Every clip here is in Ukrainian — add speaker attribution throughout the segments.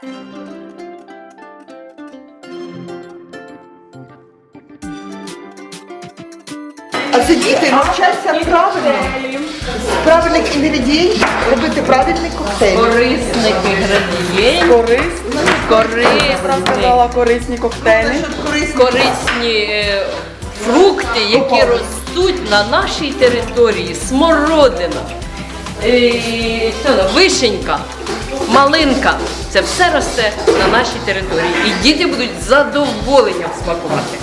Speaker 1: А це діти навчаться правильно, з правильних інгредієнтів робити правильний коктейль.
Speaker 2: Корисних інгредієнтів.
Speaker 3: Корисні коктейлі.
Speaker 2: Корисні фрукти, які ростуть на нашій території. Смородина, вишенька, малинка. Це все росте на нашій території. І діти будуть з задоволенням смакувати.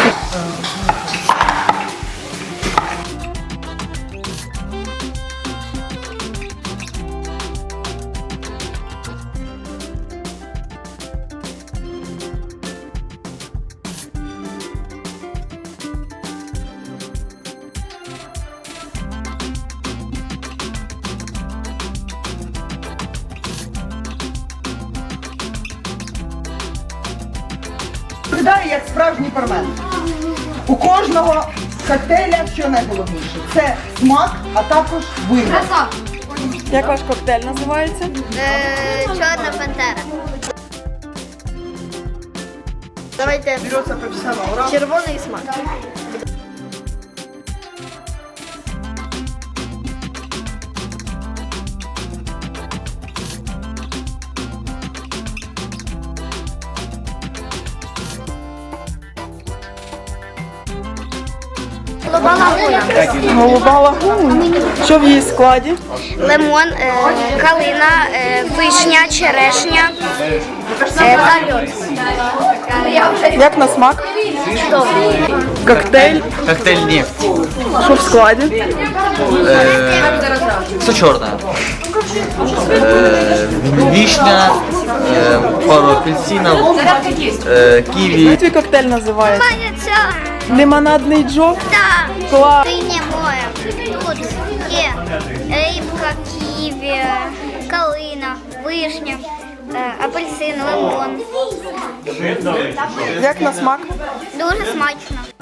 Speaker 1: Виглядає як справжній бармен. У кожного коктейля що найголовніше – це смак, а також вигляд.
Speaker 3: Як ваш коктейль називається?
Speaker 4: Чорна пантера. Давайте
Speaker 1: Береться професіонал.
Speaker 4: червоний смак.
Speaker 3: Голуба лагуна. Що в її складі?
Speaker 4: Лимон, калина, вишня, черешня та льод.
Speaker 3: Як на смак? Коктейль.
Speaker 5: Коктейль «Нефть».
Speaker 3: Що в складі?
Speaker 5: Все черное. Вишня, пару апельсинов, киви.
Speaker 3: Як твій коктейль називається? Лимонадний джок?
Speaker 4: Так,
Speaker 3: Клас.
Speaker 4: синє море. Тут є рибка, ківі, калина, вишня, апельсин, лимон.
Speaker 3: Як на смак?
Speaker 4: Дуже смачно.